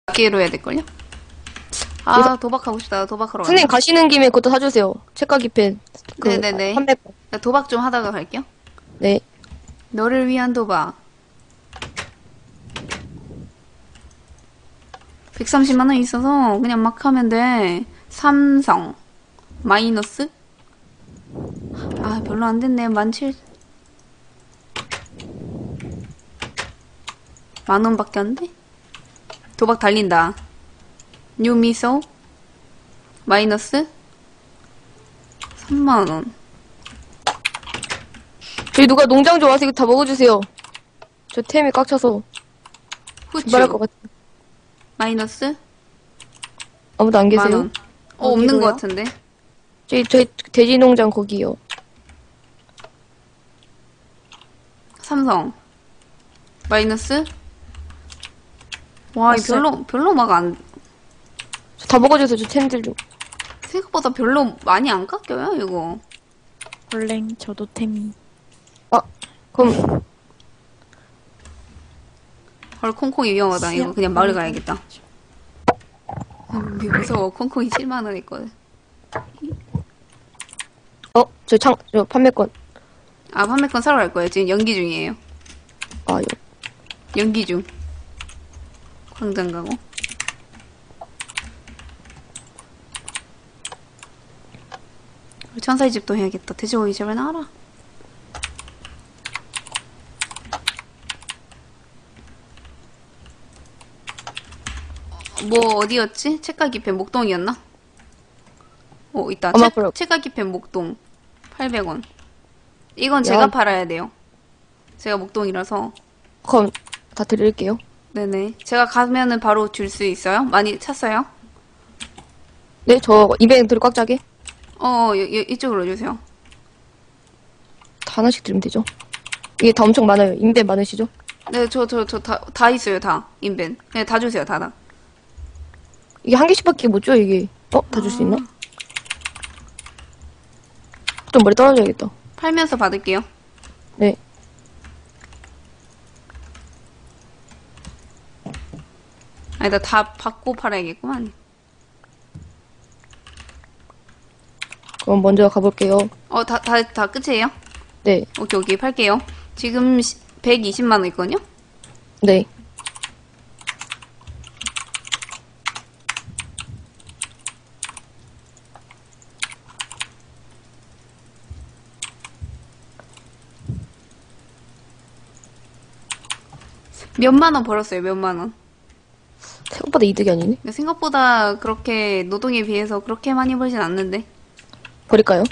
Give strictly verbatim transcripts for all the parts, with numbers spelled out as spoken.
기회로 해야 될걸요? 아, 도박하고 싶다. 도박하러 선생님 가자. 가시는 김에 그것도 사주세요. 책가기 펜. 그 네네네. 삼백 원. 나 도박 좀 하다가 갈게요. 네. 너를 위한 도박. 백삼십만 원 있어서 그냥 막 하면 돼. 삼성. 마이너스? 아, 별로 안 됐네. 만 칠. 만 원밖에 안 돼? 도박 달린다. 뉴미소. 마이너스. 삼만 원. 저희 누가 농장 좋아서 이거 다 먹어주세요. 저 템이 꽉 차서 후추. 말할 것 같아. 마이너스. 아무도 안 만 계세요? 원. 어, 없는 어디로요? 것 같은데. 저희 저희 돼지 농장 거기요. 삼성. 마이너스. 와, 이 왔어요. 별로, 별로 막 안, 저 다 먹어주세요. 저 템들 좀. 생각보다 별로 많이 안 깎여요, 이거. 원래 저도 템이. 아 그럼 헐, 콩콩이 위험하다. 이거 그냥 마을 가야겠다. 음, 무서워. 콩콩이 칠만 원 있거든. 어 저 창 저 판매권. 아, 판매권 사러 갈 거예요. 지금 연기 중이에요. 아 요. 연기 중. 광장 가고. 우리 천사의 집도 해야겠다. 돼지고기 제발 나와라. 뭐 어디였지? 책가기펜 목동이었나? 어 있다. 아마 책, 그럴- 책가기펜 목동 팔백 원. 이건 제가 야. 팔아야 돼요. 제가 목동이라서. 그럼 다 드릴게요. 네네. 제가 가면은 바로 줄 수 있어요? 많이 찼어요? 네, 저 이벤트를 꽉 짜게 어, 여, 여, 이쪽으로 주세요. 다 하나씩 드리면 되죠. 이게 다 엄청 많아요. 인벤 많으시죠? 네, 저, 저, 저, 다, 다 있어요, 다. 인벤. 네, 다 주세요, 다, 다. 이게 한 개씩밖에 못 줘, 이게. 어? 다 줄 수 있나? 좀 머리 떨어져야겠다. 팔면서 받을게요. 네. 아니다, 다 받고 팔아야겠구만. 그럼 먼저 가볼게요. 어, 다, 다, 다 끝이에요? 네. 오케이, 오케이, 팔게요. 지금 시- 백이십만 원 있거든요? 네. 몇만 원 벌었어요, 몇만 원. 생각보다 이득이 아니네. 근데 생각보다 그렇게 노동에 비해서 그렇게 많이 벌진 않는데. 버릴까요?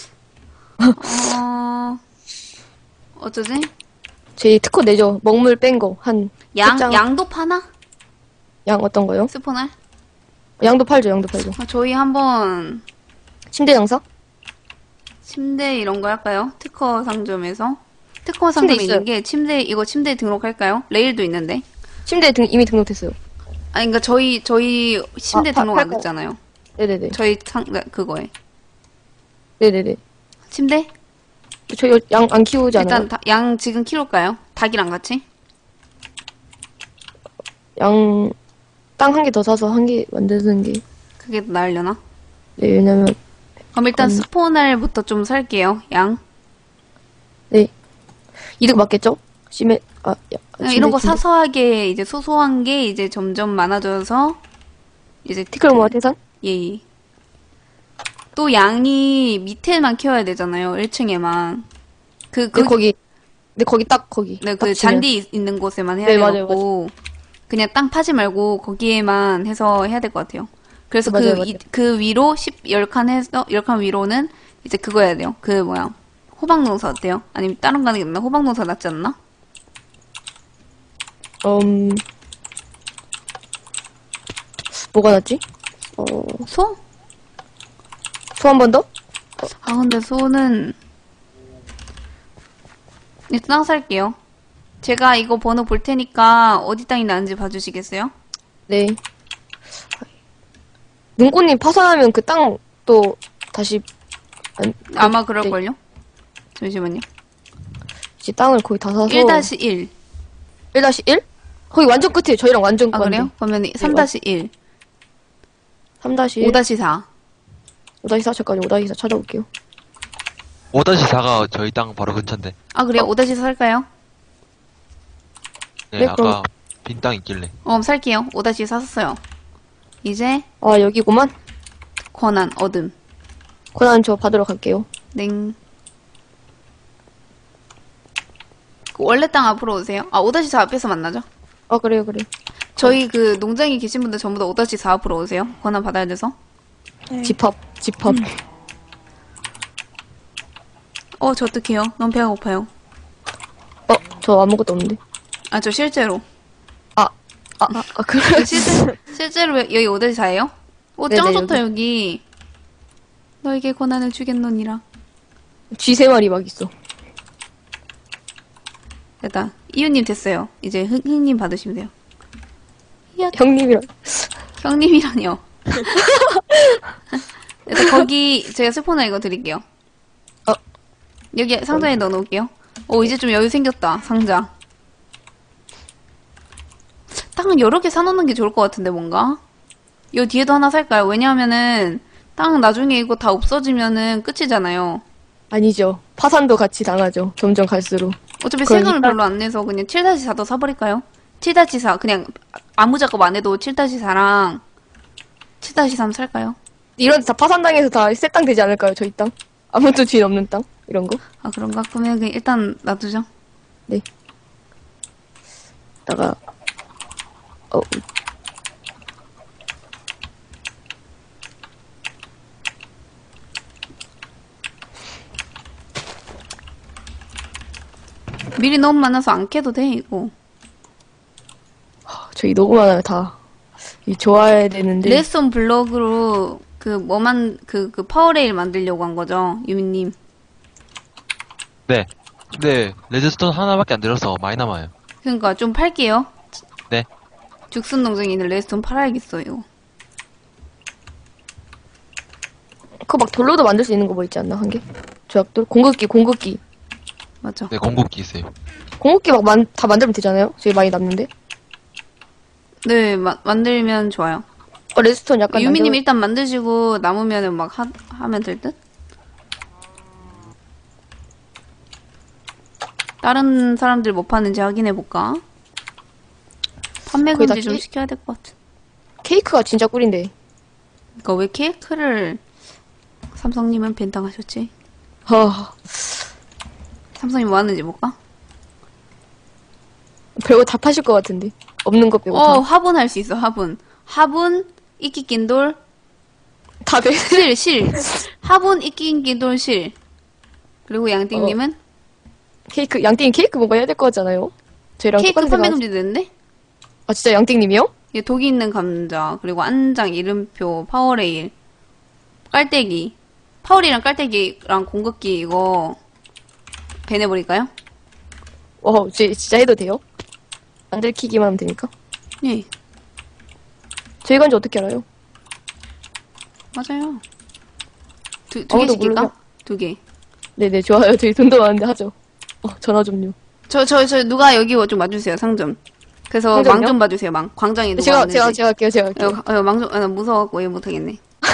어, 어쩌지? 제 특허 내죠. 먹물 뺀 거. 한, 양, 장- 양도 파나? 양 어떤 거요? 스포날? 양도 팔죠, 양도 팔죠. 아, 저희 한번 침대 장사? 침대 이런 거 할까요? 특허 상점에서. 특허 침대 상점에 있는 있어요. 게 침대, 이거 침대 등록할까요? 레일도 있는데. 침대 등, 이미 등록됐어요. 아니, 그니까 저희, 저희 침대 아, 파- 등록 안 팔까요? 됐잖아요. 네네네. 저희 상, 그거에. 네네네. 침대? 저희 양 안 키우지 않아요? 일단 다- 양 지금 키울까요? 닭이랑 같이? 양, 땅 한 개 더 사서 한 개 만드는 게. 그게 더 나으려나? 네, 왜냐면, 그럼 일단 음. 스포날부터 좀 살게요. 양. 네. 이득 맞겠죠? 심해, 아, 야, 그냥 침대, 이런 거 침대. 사소하게 이제 소소한 게 이제 점점 많아져서 이제 티끌 모아 태산? 예. 또 양이 밑에만 키워야 되잖아요. 일 층에만. 그, 그, 그, 거기, 네, 거기 딱 거기. 네, 딱 그 치면. 잔디 있는 곳에만 해야 네, 맞아요, 되고 그냥 땅 파지 말고 거기에만 해서 해야 될 것 같아요. 그래서 맞아요, 그, 맞아요. 이- 그 위로 십, 열 칸 해서, 열 칸 위로는 이제 그거 해야 돼요. 그 뭐야. 호박농사 어때요? 아니면 다른 거 하는 게 낫나? 호박농사 낫지 않나? 음, 뭐가 낫지? 어, 소? 소 한 번 더? 아, 근데 소는 일단 땅 살게요. 제가 이거 번호 볼 테니까 어디 땅이 나는지 봐주시겠어요? 네. 눈꽃님 파산하면 그 땅 또 다시, 안, 아마 네. 그럴걸요? 잠시만요. 이제 땅을 거의 다 사서. 일 다시 일. 일 다시 일? 거기 완전 끝이에요. 저희랑 완전 아, 그래요? 그러면 삼 다시 일, 삼 다시 오 다시 사. 오 다시 사 잠깐요. 오 다시 사 찾아볼게요. 오 다시 사가 저희 땅 바로 근처인데. 아, 그래요? 오 다시 사 살까요? 네, 네, 아까 그럼- 빈 땅 있길래. 어, 살게요. 오 다시 사 샀어요. 이제 아, 여기구만. 권한, 어둠. 권한 저 받으러 갈게요. 냉. 그 원래 땅 앞으로 오세요. 아, 오 다시 사 앞에서 만나죠? 아, 그래요, 그래요. 저희 그 농장에 계신 분들 전부 다 오 다시 사 앞으로 오세요. 권한 받아야 돼서. 네. 집합, 집합. 어, 저 어떡해요? 너무 배가 고파요. 어, 저 아무것도 없는데. 아, 저 실제로. 아, 아, 아, 아 그래. 그 실제, 실제로 여기 오 다시 사예요? 오, 짱 네네, 좋다, 여기. 너에게 권한을 주겠노니라. 쥐 세 마리 막 있어. 됐다. 이유님 됐어요. 이제 흥, 흥님 받으시면 돼요. 형님이랑. 형님이라뇨. 그래서 거기 제가 스포너 이거 드릴게요. 어. 여기 상자에 넣어놓을게요. 오, 이제 좀 여유 생겼다. 상자. 땅 여러 개 사놓는 게 좋을 것 같은데 뭔가? 요 뒤에도 하나 살까요? 왜냐하면은 땅 나중에 이거 다 없어지면은 끝이잖아요. 아니죠. 파산도 같이 당하죠. 점점 갈수록. 어차피 그럼 세금을 일단- 별로 안 내서 그냥 칠 다시 사도 사버릴까요? 칠 다시 사 그냥 아무 작업 안 해도 칠 다시 사랑 칠 다시 삼 살까요? 이런 데 다 파산당해서 다 새 땅 되지 않을까요? 저희 땅? 아무것도 주인 없는 땅? 이런 거? 아, 그런가? 그러면 그냥 일단 놔두죠. 다가 어, 밀이 너무 많아서 안 캐도 돼, 이거. 저희 너무 많아요, 다. 이 좋아야 되는데. 레스톤 블럭으로 그 뭐만 그, 그 파워레일 만들려고 한 거죠, 유미님. 네. 근데 레드스톤 하나밖에 안 들어서 많이 남아요. 그러니까 좀 팔게요. 네. 죽순 농장에 있는 레스톤 팔아야겠어, 이거. 그거 막 돌로도 만들 수 있는 거 뭐 있지 않나? 한 개? 조약돌? 공급기, 공급기. 맞죠? 네, 공급기 있어요. 공급기 막 만, 다 만들면 되잖아요? 저희 많이 남는데? 네, 마, 만들면 좋아요. 어, 레스톤 약간. 유미님 남겨- 일단 만드시고 남으면은 막 하, 하면 될 듯? 다른 사람들 뭐 파는지 확인해볼까? 판매 거의 다 금지 좀 케- 시켜야 될 것 같은. 케이크가 진짜 꿀인데. 그니까 왜 케이크를 삼성님은 벤당하셨지? 아, 삼성님 뭐 하는지 볼까? 별거 다 파실 것 같은데. 없는 거 빼고 어, 다. 화분 할 수 있어, 화분. 화분, 이끼낀돌, 다 돼. 실, 실. 화분, 이끼낀돌, 실. 그리고 양띵님은 케이크, 양띵 케이크 뭔가 해야 될 것 같잖아요? 저희랑 케이크 똑같은 판매 생각. 금지 되는데? 아, 진짜 양띵님이요? 이게 독이 있는 감자, 그리고 안장, 이름표, 파워레일, 깔때기. 파워레일이랑 깔때기랑 공급기 이거 배내버릴까요? 와, 지- 진짜 해도 돼요? 안 들키기만 하면 되니까. 예, 저희가 이제 어떻게 알아요? 맞아요. 두, 두 아무도 개 시킬까? 모르죠. 두 개. 네네, 좋아요. 저희 돈도 많은데 하죠. 어, 전화 좀요. 저, 저, 저, 누가 여기 좀 와주세요, 상점. 그래서 상점이요? 망 좀 봐주세요, 망. 광장에 누가 제가, 왔는지. 제가, 제가 할게요, 제가 할게요. 어, 어, 망 좀, 아, 나 무서워갖고 얘 못하겠네.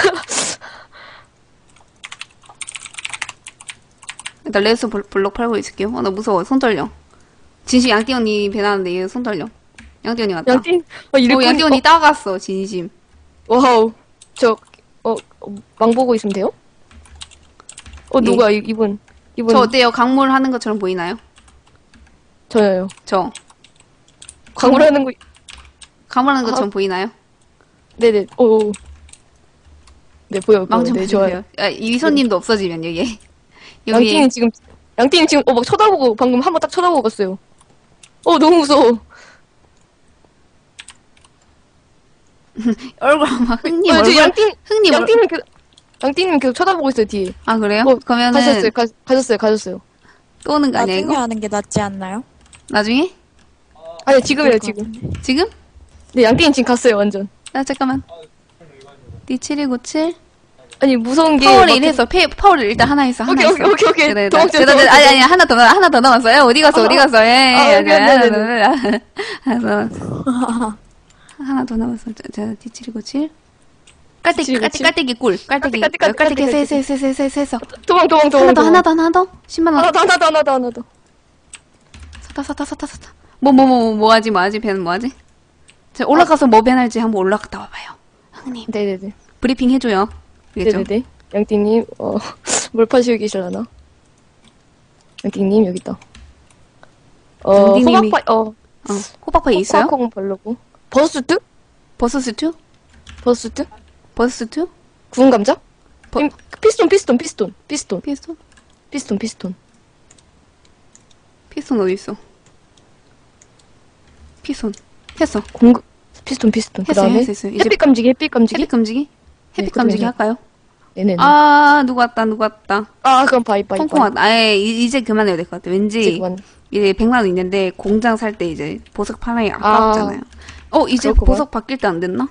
일단 레스 블- 블록 팔고 있을게요. 어, 나 무서워. 손 떨려. 진심 양띠 언니 배나는데 얘 손 떨려. 양띠 언니 왔다. 양띵, 어, 이를 어, 양띠 언니 따갔어, 진심. 어, 와우. 저, 어, 어, 망 보고 있으면 돼요? 어, 누가, 이, 이분, 이분. 예. 저 어때요? 강물 하는 것처럼 보이나요? 저요. 저. 광고라는 거, 강물 하는 아. 것처럼 보이나요? 네네, 오. 오. 네, 보여요, 보여요. 망 좀 네, 봐주세요. 좋아요. 아, 이손님도 없어지면, 여기. 여기. 양띵이 지금, 양띵이 지금, 어, 막 쳐다보고, 방금 한 번 딱 쳐다보고 갔어요. 어, 너무 무서워. 얼굴 아마 흥님 어, 저 얼굴. 양띵, 흥님 얼굴. 양띵님 그, 양띵님 계속 쳐다보고 있어요, 뒤에. 아, 그래요? 어, 그러면은 가셨어요, 가, 가셨어요, 가셨어요. 또 오는 거 아니야, 나중에 이거? 하는 게 낫지 않나요? 나중에? 아니, 지금이에요, 그럴 것 지금. 같은데. 지금? 네, 양띵이 지금 갔어요, 완전. 아, 잠깐만. 니 칠일구칠? 아니, 무서운 게. 파워를 막- 이래서, 페, 파워를 일단 하나 있어, 하나 오케이, 있어. 오케이, 오케이, 오케이. 그래, 도망쳐, 그래, 도망쳐. 아니, 아니, 하나 더, 나- 하나 더 남았어요. 어디 갔어, 어디 갔어, 어디 갔어, 예. 아, 오케이, 하나 네, 더, 네, 하나 더 남았어. 하나 더 남았어. 자, 디칠이고칠. 깔때기, 디칠이고칠. 깔때기, 깔때기 꿀. 깔때기, 깔때기, 깔때기, 깔때기, 세, 깔때기. 세, 세, 세, 세, 세, 세. 도망, 도망, 도망. 하나 더, 도망. 하나 더, 하나 더. 십만 원. 하나 더, 하나 더, 하나 더, 하나 더. 섰다, 섰다, 섰다, 섰다. 뭐, 뭐, 뭐, 뭐 하지, 뭐 하지, 배는 뭐 하지? 자, 올라가서 뭐 배할지 한번 올라갔다 와봐요. 형님, 네네네. 브리핑 해줘요. 알겠죠? 네네네. 양띵님, 어, 뭘 파시고 계실라나? 양띵님, 여기 있다. 어, 양띵님이- 호박파, 어, 어, 호박파이 있어요? 호박콩 바르고. 버스트? 버섯스튜? 버스트? 버섯스튜? 구운 감자? 버- 임, 피스톤, 피스톤, 피스톤, 피스톤, 피스톤? 피스톤, 피스톤. 피스톤 어디 있어? 피스톤 했어. 공, 피스톤, 피스톤. 그 했어요, 다음에 했어요, 했어요. 이제 햇빛 감지기, 햇빛 감지기. 햇빛 감지기? 햇빛 그거 감지기 해요. 할까요? 네네네. 아, 누구 왔다, 누구 왔다. 아, 그럼 바이, 바이, 콩콩 바이. 왔다. 아예, 이- 이제 그만해야 될 것 같아. 왠지, 이제 그만. 이제 백만 원 있는데, 공장 살 때 이제, 보석 팔아야 아깝잖아요. 어, 이제 그렇구만. 보석 바뀔 때 안 됐나?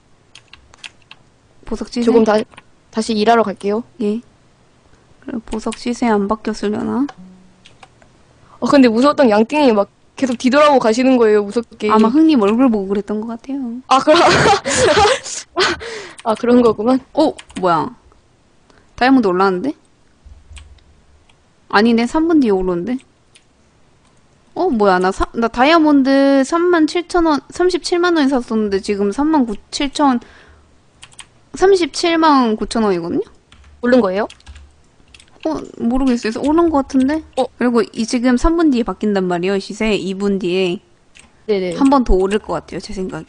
보석 시세? 조금 다, 다시 일하러 갈게요. 예. 그래, 보석 시세 안 바뀌었으려나? 어, 근데 무서웠던 양띵이 막 계속 뒤돌아보고 가시는 거예요, 무섭게. 아마 흥님 얼굴 보고 그랬던 것 같아요. 아, 그럼. 아, 그런 거구만. 어, 뭐야. 다이아몬드 올라왔는데? 아니네, 삼 분 뒤에 오르는데? 어, 뭐야, 나, 사, 나 다이아몬드 삼만 칠천 원, 삼십칠만 원에 샀었는데 지금 삼만 칠천, 삼십칠만 구천 원이거든요? 오른 거예요? 어, 모르겠어요. 오른 것 같은데? 어? 그리고 이 지금 삼 분 뒤에 바뀐단 말이에요, 시세. 이 분 뒤에. 네네. 한 번 더 오를 것 같아요, 제 생각에.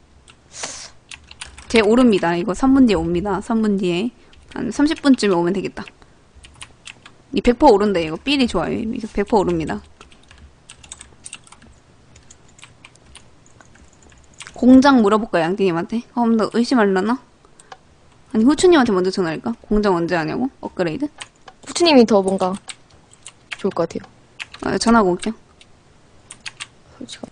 제 오릅니다. 이거 삼 분 뒤에 옵니다. 삼 분 뒤에. 한 삼십 분쯤에 오면 되겠다. 이 백 퍼센트 오른다, 이거. 삘이 좋아요. 이거 백 퍼센트 오릅니다. 공장 물어볼까, 양띵님한테? 어, 나 의심하려나? 아니, 후추님한테 먼저 전화할까? 공장 언제 하냐고? 업그레이드? 후추님이 더 뭔가 좋을 것 같아요. 아, 전화하고 올게요. 솔직히.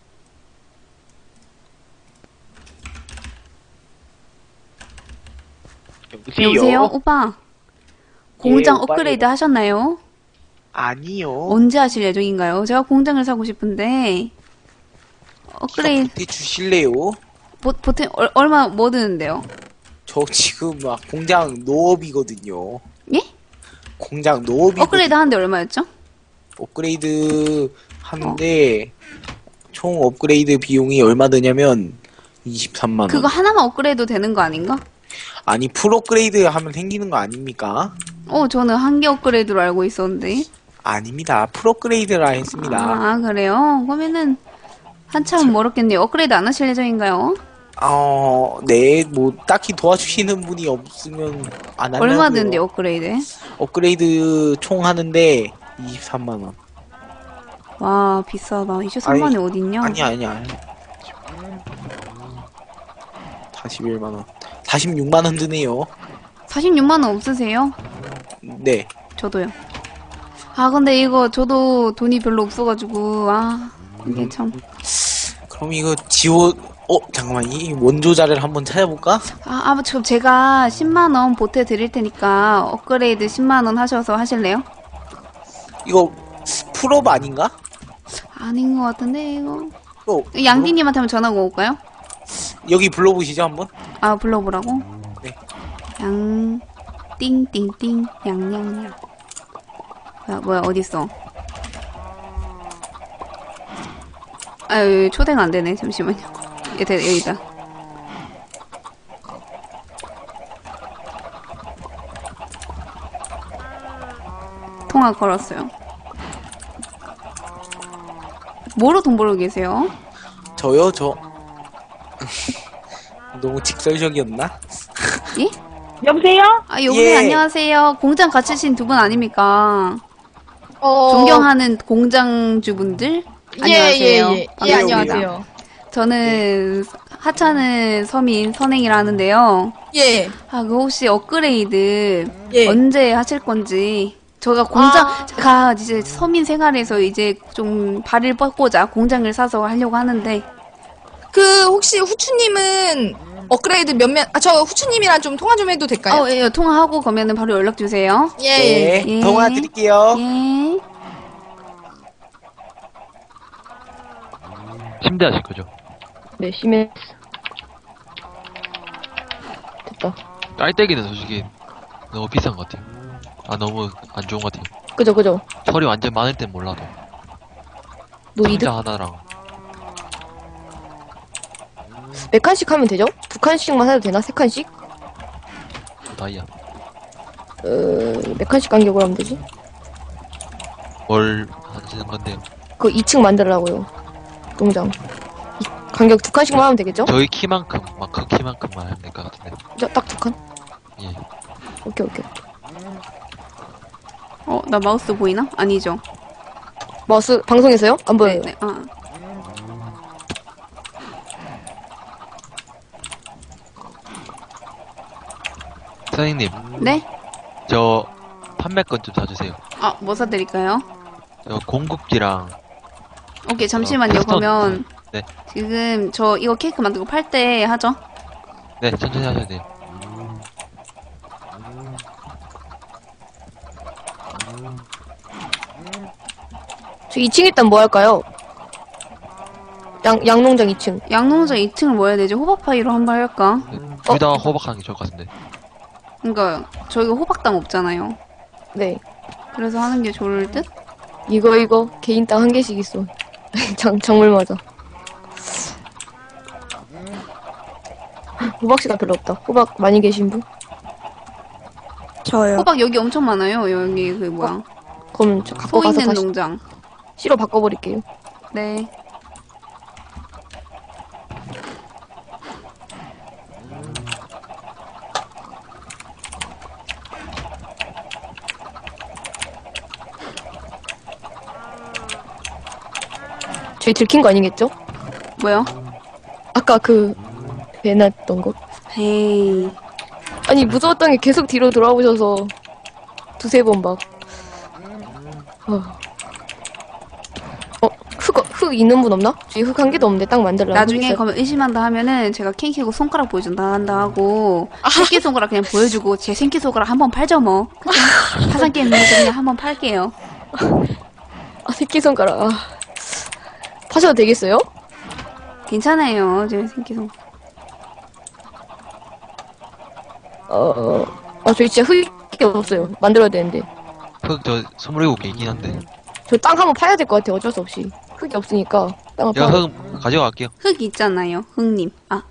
여보세요? 오빠. 공장 예, 오빠, 업그레이드 예. 하셨나요? 아니요. 언제 하실 예정인가요? 제가 공장을 사고 싶은데 업그레이드 보태 주실래요? 보, 보태 얼, 얼마 뭐 드는데요? 저 지금 막 공장 노업이거든요. 예? 공장 노업이 업그레이드 하는데 얼마였죠? 업그레이드 하는데 총 업그레이드 비용이 얼마 드냐면 이십삼만 원. 그거 하나만 업그레이드 되는 거 아닌가? 아니 풀 업그레이드 하면 생기는 거 아닙니까? 어, 저는 한 개 업그레이드로 알고 있었는데. 아닙니다. 풀 업그레이드라 했습니다. 아, 그래요? 그러면은 한참 멀었겠네요. 업그레이드 안 하실 예정인가요? 어, 네, 뭐 딱히 도와주시는 분이 없으면 안 하려고요. 얼마 드는데 업그레이드? 업그레이드 총 하는데 이십삼만 원. 와, 비싸다. 이십삼만 원이 어딨냐? 아니 아니야. 사십일만 원. 사십육만 원 드네요. 사십육만 원 없으세요? 네. 저도요. 아, 근데 이거 저도 돈이 별로 없어가지고, 아, 이게 참. 그럼 이거 지원 어 잠깐만 이 원조자를 한번 찾아볼까? 아, 아, 저 제가 십만 원 보태드릴 테니까 업그레이드 십만 원 하셔서 하실래요? 이거 풀업 아닌가? 아닌 것 같은데, 이거. 어, 양디님한테 한번 전화 걸어볼까요? 여기 불러보시죠 한번. 아, 불러보라고? 네. 양, 띵띵띵, 양양양. 뭐야, 뭐야, 어딨어? 아유, 초대가 안 되네. 잠시만요. 예, 돼, 여기다. 통화 걸었어요. 뭐로 돈 벌고 계세요? 저요 저 너무 직설적이었나? 예? 여보세요? 아, 여보세요. 예. 안녕하세요. 공장 같이신 두 분 아닙니까? 어, 존경하는 공장주분들? 안녕하세요. 예, 예, 예. 예, 반갑습니다. 안녕하세요. 저는 하찮은 서민 선행이라는데요. 예, 아, 그 혹시 업그레이드 예. 언제 하실 건지. 제가 공장, 아. 제가 이제 서민 생활에서 이제 좀 발을 뻗고자 공장을 사서 하려고 하는데, 그 혹시 후추님은 업그레이드 몇몇, 아, 저 후추님이랑 좀 통화 좀 해도 될까요? 어, 예, 통화하고 그러면은 바로 연락 주세요. 예, 예. 네, 예. 통화 드릴게요. 예. 침대하실 거죠? 네, 심했어. 됐다. 깔때기는 솔직히 너무 비싼 것 같아요. 아, 너무 안 좋은 것 같아요. 그죠, 그죠. 철이 완전 많을 땐 몰라도. 노이드? 상자 하나랑. 몇 칸씩 하면 되죠? 두 칸씩만 해도 되나? 세 칸씩? 다이아. 어, 몇 칸씩 간격으로 하면 되지? 뭘 하시는 건데요? 그 이 층 만들라고요. 농장. 이- 간격 두 칸씩만 하면 되겠죠? 저희 키만큼, 막 그 키만큼만 하면 될 것 같은데. 딱 두 칸? 예. 오케이, 오케이. 어, 나 마우스 보이나? 아니죠. 마우스 방송에서요? 안 보여요. 네, 네. 아. 선생님, 네? 저 판매권 좀 사주세요. 아, 뭐 사드릴까요? 저 공급기랑 오케이, 잠시만요. 어, 캐스터. 그러면 네. 지금 저 이거 케이크 만들고 팔 때 하죠? 네, 천천히 하셔야 돼요. 저 이 층 일단 뭐 할까요? 양, 양농장 이 층. 양농장 이 층을 뭐 해야 되지? 호박파이로 한번 할까? 둘 다 호박하는 게 좋을 것 같은데. 그러니까 저희가 호박당 없잖아요. 네. 그래서 하는 게 좋을 듯? 이거, 이거. 개인 땅 한 개씩 있어. 장, 작물 맞아. 호박씨가 별로 없다. 호박 많이 계신 분? 저요. 호박 여기 엄청 많아요. 여기 그 뭐야? 그럼 저 갖고 소 가서 있는 다시 농장. 씨로 바꿔버릴게요. 네. 저희 들킨 거 아니겠죠? 뭐요? 아까 그, 배났던 거? 에이. 아니, 무서웠던 게 계속 뒤로 돌아오셔서 두세 번 막. 어, 어 흙, 흙 있는 분 없나? 저희 흙 한 개도 없는데 딱 만들려고. 나중에 흙 있어요. 그러면 의심한다 하면은 제가 캔 키고 손가락 보여준다 한다 하고 새끼 손가락 그냥 보여주고 제 새끼 손가락 한번 팔죠 뭐. 그쵸? 파산 게임 있는 그냥 한번 팔게요. 아, 새끼손가락. 아. 파셔도 되겠어요? 괜찮아요. 제 새끼 손. 어, 어, 아, 저희 진짜 흙이 없어요. 만들어야 되는데. 흙 저 스물일곱 개 있긴 한데. 저 땅 한번 파야 될 것 같아요. 어쩔 수 없이. 흙이 없으니까. 땅을 제가 파. 흙 가져갈게요. 흙 있잖아요. 흙님. 아,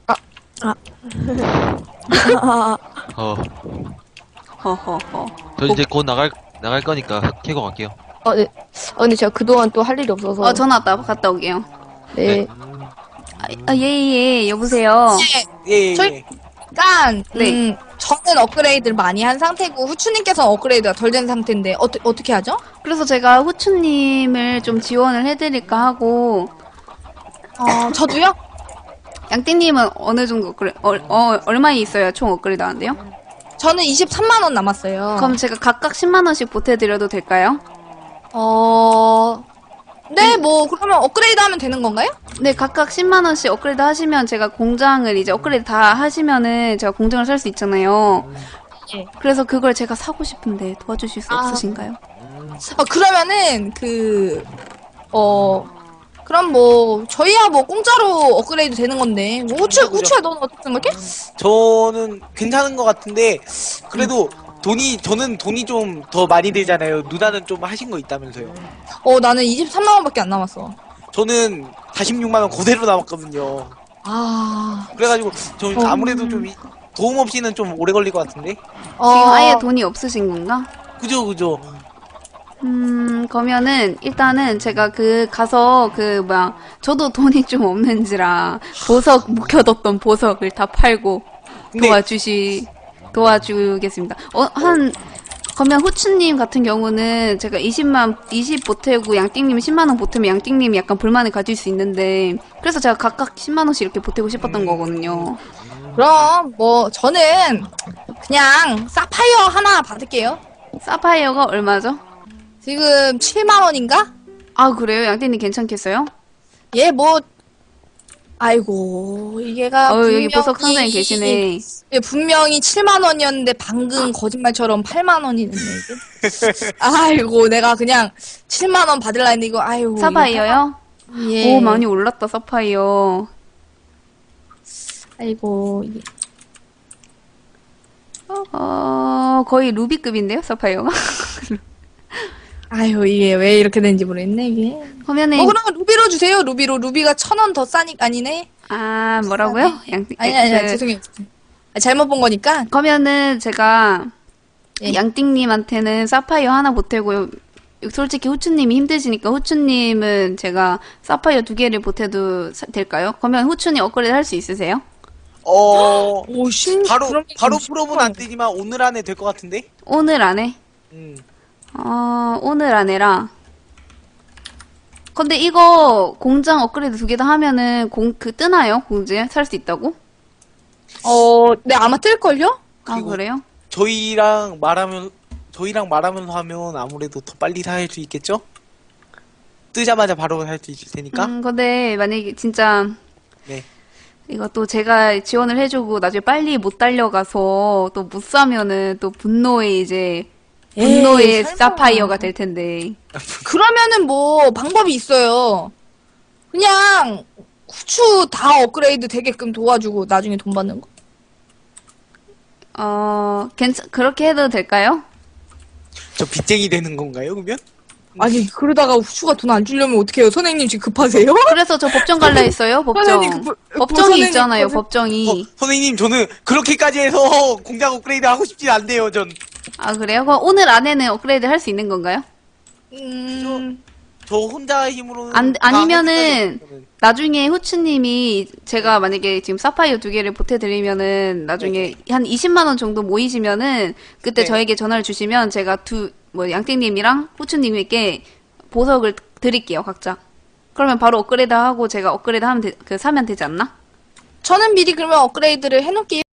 어, 허허허. 저 이제 곧 나갈, 나갈 거니까 흙 캐고 갈게요. 아, 네. 아, 근데 제가 그동안 또 할 일이 없어서. 어, 전화 왔다. 갔다 오게요. 네. 아, 예, 예, 여보세요. 예, 예. 저희- 일단, 네. 음, 저는 업그레이드를 많이 한 상태고, 후추님께서는 업그레이드가 덜 된 상태인데, 어떠, 어떻게 하죠? 그래서 제가 후추님을 좀 지원을 해드릴까 하고, 어, 저도요? 양띵님은 어느 정도 업그레, 어, 어, 얼마에 있어야 총 업그레이드 하는데요? 저는 이십삼만 원 남았어요. 그럼 제가 각각 십만 원씩 보태드려도 될까요? 어, 네, 뭐, 그러면 업그레이드 하면 되는 건가요? 네, 각각 십만 원씩 업그레이드 하시면 제가 공장을 이제 업그레이드 다 하시면은 제가 공장을 살 수 있잖아요. 예. 그래서 그걸 제가 사고 싶은데 도와주실 수 아. 없으신가요? 어, 그러면은, 그, 어, 그럼 뭐, 저희야 뭐, 공짜로 업그레이드 되는 건데, 뭐, 후추, 그죠. 후추야, 너는 어떻게 생각해? 저는 괜찮은 것 같은데 그래도 돈이 저는 돈이 좀 더 많이 들잖아요. 누나는 좀 하신 거 있다면서요. 어, 나는 이십삼만 원밖에 안 남았어. 저는 사십육만 원 그대로 남았거든요. 아, 그래가지고 저 어. 아무래도 좀 이- 도움 없이는 좀 오래 걸릴 것 같은데. 어, 지금 아예 돈이 없으신 건가? 그죠, 그죠. 음, 그러면은, 일단은 제가 그, 가서 그, 뭐야, 저도 돈이 좀 없는지라, 보석, 묵혀뒀던 보석을 다 팔고, 근데 도와주시, 도와주겠습니다. 어, 한, 그러면 후추님 같은 경우는 제가 이십만, 이십 보태고 양띵님 십만 원 보태면 양띵님이 약간 불만을 가질 수 있는데, 그래서 제가 각각 십만 원씩 이렇게 보태고 싶었던 거거든요. 그럼, 뭐, 저는, 그냥, 사파이어 하나 받을게요. 사파이어가 얼마죠? 지금 칠만 원인가? 아, 그래요? 양띵님 괜찮겠어요? 예, 뭐, 아이고, 이게가. 어, 여기 분명히- 보석 상자에 계시네. 예, 분명히 칠만 원이었는데 방금 거짓말처럼 팔만 원이 됐네, 이게. 아이고, 내가 그냥 칠만 원 받을라 했는데 이거, 아이고. 사파이어요? 이거- 예. 오, 많이 올랐다, 사파이어. 아이고, 이게. 어, 거의 루비급인데요, 사파이어가? 아유, 이게 왜 이렇게 된지 모르겠네, 이게. 그러면은, 어, 그러면 루비로 주세요, 루비로. 루비가 천 원 더 싸니까 아니네. 아, 뭐라고요? 양, 아니, 아니, 아니, 그, 죄송해요. 아, 잘못 본 거니까. 그러면은 제가 예. 양띵님한테는 사파이어 하나 보태고 솔직히 후추님이 힘드시니까 후추님은 제가 사파이어 두 개를 보태도 사- 될까요? 그러면 후추님 업그레이드 할 수 있으세요? 어, 오, 심, 바로, 그럼 바로 심- 풀업은 안 되지만 오늘 안에 될 것 같은데? 오늘 안에? 음. 어, 오늘 안에라. 근데 이거 공장 업그레이드 두 개 다 하면은 공, 그 뜨나요? 공지에? 살 수 있다고? 어, 네, 아마 뜰걸요? 아, 그리고- 그래요? 저희랑 말하면, 저희랑 말하면서 하면 아무래도 더 빨리 살 수 있겠죠? 뜨자마자 바로 살 수 있을 테니까. 음, 근데 만약에 진짜 네. 이거 또 제가 지원을 해주고 나중에 빨리 못 달려가서 또 못 사면은 또 분노의 이제 분노의 에이, 설마. 사파이어가 될 텐데. 그러면은 뭐, 방법이 있어요. 그냥, 후추 다 업그레이드 되게끔 도와주고, 나중에 돈 받는 거. 어, 괜찮, 그렇게 해도 될까요? 저 빚쟁이 되는 건가요, 그러면? 아니, 그러다가 후추가 돈 안 주려면 어떡해요? 선생님 지금 급하세요? 그래서 저 법정 갈라 했어요, 법정. 선생님, 그, 그, 법정이 선생님, 있잖아요, 그, 법정이. 어, 선생님, 저는 그렇게까지 해서 공장 업그레이드 하고 싶진 않네요, 전. 아, 그래요? 그럼 오늘 안에는 업그레이드 할 수 있는 건가요? 음, 저 혼자 힘으로는. 안, 다 아니면은, 할 생각이에요, 나중에 후추님이 제가 만약에 지금 사파이어 두 개를 보태드리면은 나중에 한 이십만 원 정도 모이시면은 그때 네. 저에게 전화를 주시면 제가 두, 뭐, 양띵님이랑 후추님에게 보석을 드릴게요, 각자. 그러면 바로 업그레이드 하고 제가 업그레이드 하면 되, 그, 사면 되지 않나? 저는 미리 그러면 업그레이드를 해놓을게요.